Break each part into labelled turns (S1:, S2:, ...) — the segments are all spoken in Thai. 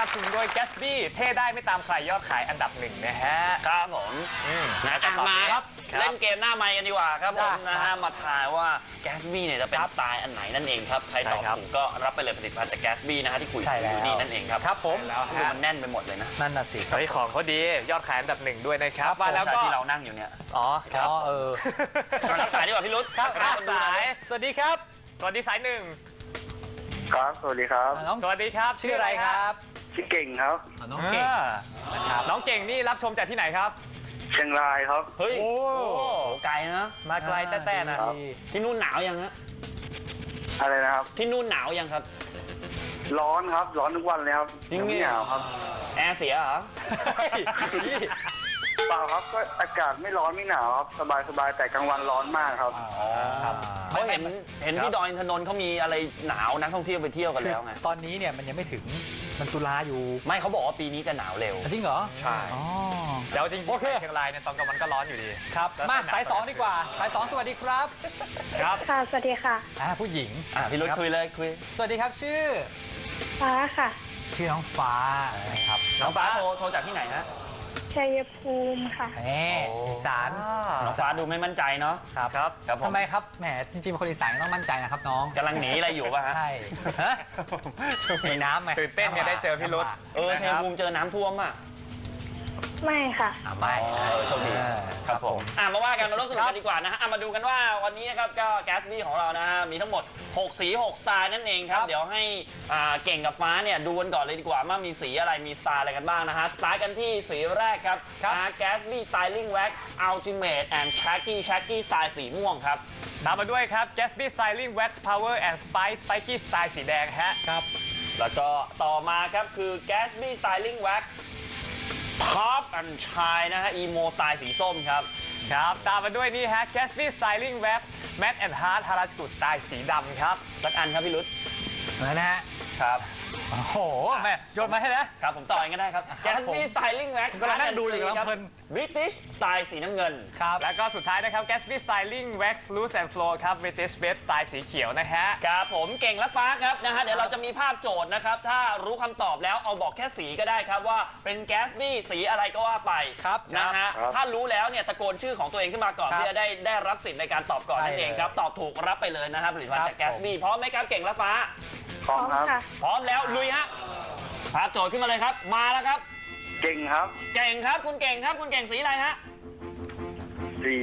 S1: บสนุนโดย Gatsby เท่ได้ไม่ตามใครยอดขายอันดับหนึ่งนะฮะ
S2: ครับผมมาครับเล่นเกมหน้าไมค์กันดีกว่าครับผมนะฮะมาทายว่า Gatsby เนี่ยจะเป็นสไตล์อันไหนนั่นเองครับใครตอบถูกก็รับไปเลยผลิตภัณฑ์จาก Gatsby นะฮะที่คุยอยู่นี่นั่นเองครับ
S1: ครับผม
S2: แล้วมันแน่นไปหมดเลยนะ
S1: นั่นน่ะสิเฮ้ยของเขาดียอดขายอันดับหนึ่งด้วยนะครับ
S2: มาแล้วก็ที่เรานั่งอยู่เนี่ย
S1: อ๋อครับ
S2: รับสายดีกว่าพี่รุธ
S1: ครับรับสายสวัสดีครับสวัสดีสายหนึ่ง
S3: ครับสวัสดีครับ
S1: สวัสดีครับชื่ออะไรครับ
S3: ชื่อเก่งครับ
S1: น้องเก่งนะครับน้องเก่งนี่รับชมจากที่ไหนครับ
S3: เชียงรายครับ
S2: เฮ้ยโอ้ไกลนะ
S1: มาไกลแต้ๆนะ
S2: ที่นู่นหนาวยังฮะ
S3: อะไรนะครับ
S2: ที่นู่นหนาวยังครับ
S3: ร้อนครับร้อนทุกวันเลยครับ
S2: ยิ่งไม่หนาวครับแอร์เสียเหรอ
S3: เปล่าครับก็อากาศไม่ร้อนไม่หนาวครับสบายแต่กลางวันร้อนมากครับ
S2: เขาเห็นที่ดอยอินทนนท์เขามีอะไรหนาวนักท่องเที่ยวไปเที่ยวกันแล้วไง
S1: ตอนนี้เนี่ยมันยังไม่ถึงมันตุลาอยู่
S2: ไม่เขาบอกว่าปีนี้จะหนาวเร็ว
S1: จริงเหรอ
S2: ใช่
S1: แล้วจริงๆเชียงรายเนี่ยตอนกลางวันก็ร้อนอยู่ดีครับมาสาย2ดีกว่าสาย2สวัสดีครับ
S4: ครับค่ะสวัสดีค่ะ
S1: ผู้หญิง
S2: พี่รุธคุยเลยคุย
S1: สวัสดีครับชื่อ
S4: ฟ้าค่ะ
S1: ชื่อน้องฟ้านะครับ
S2: น้องฟ้าโทรจากที่ไหนฮะ
S4: ชัยภูมิค่ะ
S1: อีสาน
S2: น้องฟ้าดูไม่มั่นใจเนาะ
S1: ครับทำไมครับแหมจริงๆเป็นคนอีสานต้องมั่นใจนะครับน้อง
S2: กำลังหนีอะไรอยู่ป่ะฮะ
S1: ใช่มีน้ำไหมตื่นเต้นเนี่ยได้เจอพี่รุธ
S2: ชัยภูมิเจอน้ำท่วมอ่ะ
S4: ไม่ค่ะ
S1: ไม่
S2: โชคดีครับผมมาว่ากันมาร่วมสนุกกันดีกว่านะฮะมาดูกันว่าวันนี้นะครับก็ Gatsby ของเรานะฮะมีทั้งหมด6สี6สไตล์นั่นเองครับเดี๋ยวให้เก่งกับฟ้าเนี่ยดูกันก่อนเลยดีกว่าว่ามีสีอะไรมีสไตล์อะไรกันบ้างนะฮะสตาร์ทกันที่สีแรกครับ Gatsby Styling Wax Ultimate and Shaggy Style สีม่วงครับ
S1: ตามมาด้วยครับ Gatsby Styling Wax Power and Spiky Style สีแดงฮะ
S2: ครับแล้วก็ต่อมาครับคือ Gatsby Styling Wax Top and Shine นะฮะ Emo Style สีส้มครับ
S1: ตามมาด้วยนี่ฮะ Gatsby Styling Wax Matte and Hard Harajuku Style สีดำครับ
S2: สักอันครับพี่รุธ
S1: นะฮะ
S2: ครับ
S1: โอ้โหแม่โยนมาให้นะครับ
S2: ผมต่อกันได้ครับ Gatsby Styling Wax
S1: ก็นั่งดูเลยครับ
S2: British Style สีน้ำเงิน
S1: ครับแล้วก็สุดท้ายนะครับ Gatsby Styling Wax Loose and Flow ครับ British Wave Style สีเขียวนะฮะ
S2: ครับผมเก่งและฟ้าครับนะฮะเดี๋ยวเราจะมีภาพโจทย์นะครับถ้ารู้คำตอบแล้วเอาบอกแค่สีก็ได้ครับว่าเป็น Gatsby สีอะไรก็ว่าไปนะฮะถ้ารู้แล้วเนี่ยตะโกนชื่อของตัวเองขึ้นมาก่อนเพื่อได้รับสิทธิ์ในการตอบก่อนนั่นเองครับตอบถูกรับไปเลยนะครับผลิตภัณฑ์จาก Gatsby พร้อมไหมครับเก่งและฟ้า
S3: พร้อมครับ
S2: พร้อมแล้วลุยฮะภาพโจทย์ขึ้นมาเลยครับมาแล้วครับ
S3: เก่งครับ
S2: เก่งครับคุณเก่งครับคุณเก่งสีอะไรฮะ
S3: สี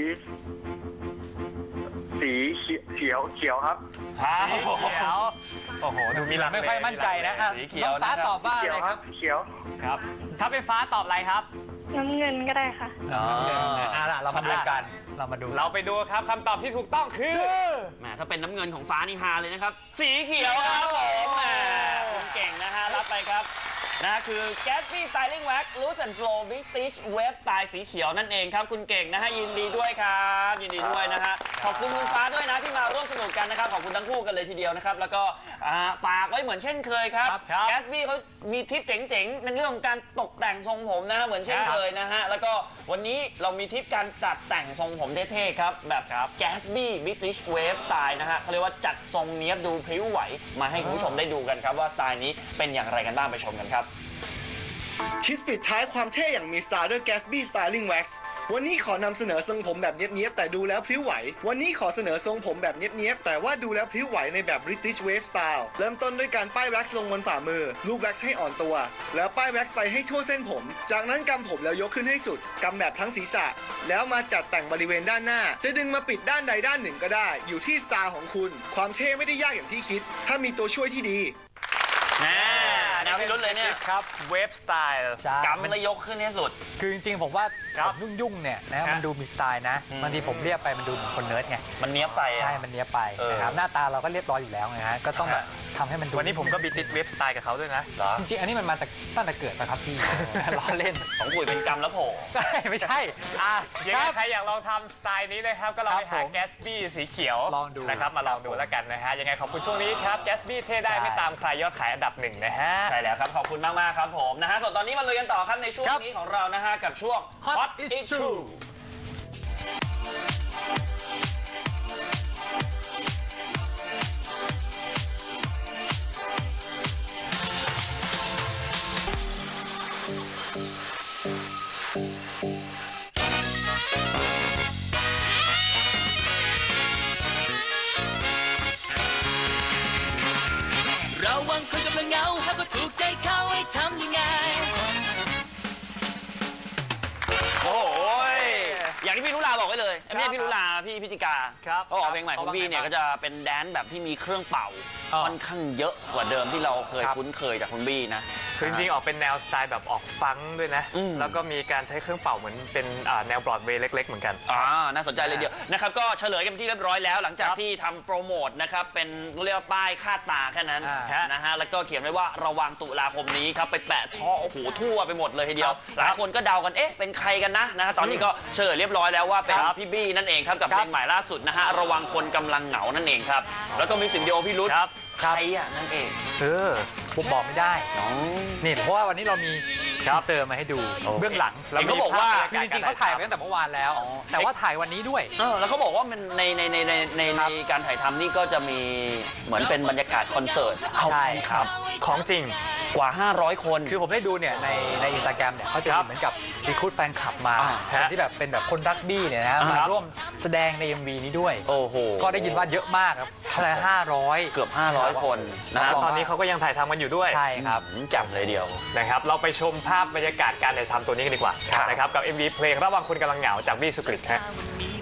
S3: เขียวครับ
S1: สีเขียวโอ้โหดูมีหลักไม่ค่อยมั่นใจนะ
S2: สีเขียว
S1: ฟ้าตอบว่าอะไรครับ
S3: เขียว
S1: ครับถ้าเป็นฟ้าตอบอะไรครับ
S4: น้ำเงินก็ได้ค่ะ
S1: เรามาดูกันเราไปดูครับคำตอบที่ถูกต้องคือ
S2: ถ้าเป็นน้ำเงินของฟ้านี่ฮาเลยนะครับสีเขียวครับผมคุณเก่งนะฮะรับไปครับนะคือ Gatsby Styling Wax Loose and Flow British Wave Style สีเขียวนั่นเองครับคุณเก่งนะฮะยินดีด้วยครับยินดีด้วยนะฮะขอบคุณคุณฟ้าด้วยนะที่มาร่วมสนุกกันนะครับขอบคุณทั้งคู่กันเลยทีเดียวนะครับแล้วก็ฝากไว้เหมือนเช่นเคยครับ Gatsby เขามีทิปเจ๋งๆในเรื่องของการตกแต่งทรงผมนะเหมือนเช่นเคยนะฮะแล้วก็วันนี้เรามีทิปการจัดแต่งทรงผมเท่ๆครับแบบ Gatsby British Wave Style นะฮะเขาเรียกว่าจัดทรงเนี้ยบดูพริ้วไหวมาให้คุณผู้ชมได้ดูกันครับว่าสไตล์นี้เป็นอย่างไรกันบ้างไปชมกันครับ
S5: ทิปปิดท้ายความเท่อย่างมีสไตล์ด้วย Gatsby Styling Wax วันนี้ขอนำเสนอทรงผมแบบเนี้ยบๆแต่ดูแล้วพริ้วไหววันนี้ขอเสนอทรงผมแบบเนี้ยบๆแต่ว่าดูแล้วพริ้วไหวในแบบ British Wave Style เริ่มต้นด้วยการป้ายแว็กซ์ลงบนฝ่ามือลูบแว็กซ์ให้อ่อนตัวแล้วป้ายแว็กซ์ไปให้ทั่วเส้นผมจากนั้นกำผมแล้วยกขึ้นให้สุดกำแบบทั้งศีรษะแล้วมาจัดแต่งบริเวณด้านหน้าจะดึงมาปิดด้านใดด้านหนึ่งก็ได้อยู่ที่สไตล์ของคุณความเท่ไม่ได้ยากอย่างที่คิดถ้ามีตัวช่วยที่ดี
S2: แนวพี่รุธเลยเนี่ย
S1: ครับเวฟสไตล์
S2: กำแล้วยกขึ้นให้สุด
S1: คือจริงๆผมว่าผมยุ่งๆเนี่ยนะมันดูมีสไตล์นะบางทีผมเรียบไปมันดูเหมือนคนเนิร์ดไง
S2: มันเนี้ยไป
S1: ใช่มันเนี้ยไปนะครับหน้าตาเราก็เรียบร้อยอยู่แล้วไงฮะก็ต้องแบบทำให้มันดูวันนี้ผมก็บิดเวฟสไตล์กับเขาด้วยนะจริงๆอันนี้มันมาจากตั้งแต่เกิดนะครับพี่ล้อเล่น
S2: ของกุ๋ยเป็นกำแล้วโผล่
S1: ไม่ใช่ยังไงใครอยากลองทำสไตล์นี้นะครับก็ลองไปหา Gatsby สีเขียวลองดูนะครับมาลองดูแล้วกันนะฮะยังไงขอบคุณช่วงนี้ครับ Gatsby เท่ได้ไม่ตามใครยอดขายอันดับหนึ่งนะฮะ
S2: ใช่แล้วครับขอบคุณมากๆครับผมนะฮะส่วนตอนนี้มาลุยกันต่อครับในช่วงนี้ของเรานะฮะกับช่วง Hot Issue
S6: ระวังคนกำลังเหงาหากก็ถูกใจเขาให้ทำยังไง
S2: โอ้ยอย่างที่พี่ลุลาบอกไว้เลยไม่ใช่พี่ลุลาพี่พิจิกา
S1: ครับ
S2: เขาบอกเพลงใหม่ของพี่เนี่ยก็จะเป็นแดนซ์แบบที่มีเครื่องเป่าค่อนข้างเยอะกว่าเดิมที่เราเคยคุ้นเคยจากคุณบี้นะ
S1: คือจริงๆออกเป็นแนวสไตล์แบบออกฟังก์ด้วยนะ แล้วก็มีการใช้เครื่องเป่าเหมือนเป็นแนวบรอดเวย์เล็กๆเหมือนกัน
S2: น่าสนใจเลยเดียวนะครับก็เฉลยกันที่เรียบร้อยแล้วหลังจากที่ทำโปรโมทนะครับเป็นเรียกว่าป้ายคาดตาแค่นั้นนะฮะแล้วก็เขียนไว้ว่าระวังตุลาคมนี้ครับไปแปะท่อโอ้โหทั่วไปหมดเลยทีเดียวหลายคนก็เดากันเอ๊ะเป็นใครกันนะตอนนี้ก็เฉลยเรียบร้อยแล้วว่าเป็นพี่บี้นั่นเองครับกับเพลงใหม่ล่าสุดนะฮะระวังคนกำลังเหงานั่นเองครับแล้วก็มิวสิกวิดีโอพี่รุธใครอ่ะนั่นเอง
S7: ผมบอกไม่ได้นี่เพราะว่าวันนี้เรามีทีเซอร์มาให้ดูเบื้องหลัง
S2: แล้วเขาบอกว่า
S7: คือจริงๆเขาถ่ายไปตั้งแต่เมื่อวานแล้ว แต่ว่าถ่ายวันนี้ด้วย
S2: แล้วเขาบอกว่ามันในการถ่ายทำนี่ก็จะมีเหมือนเป็นบรรยากาศคอนเสิร์ต
S7: ใช่ครับ
S1: ของจริง
S2: กว่า 500 คน
S7: คือผมได้ดูเนี่ยในอินสตาแกรมเนี่ยเขาจะมีเหมือนกับรีคูดแฟนคลับมาคนที่แบบเป็นแบบคนรักบี้เนี่ยนะมาร่วมแสดงใน MV นี้ด้วย
S2: โอ้โห
S7: ก็ได้ยินว่าเยอะมากครับแค่500
S2: เกือบ 500 คนนะ
S1: ตอนนี้เขาก็ยังถ่ายทำกันอยู่ด้วย
S7: ใช่ครับ
S2: จับเลยเดียว
S1: นะครับเราไปชมภาพบรรยากาศการถ่ายทำตัวนี้กันดีกว่านะครับกับ MV เพลงระวังคนกำลังเหงาจากบี้สุกฤตฮะ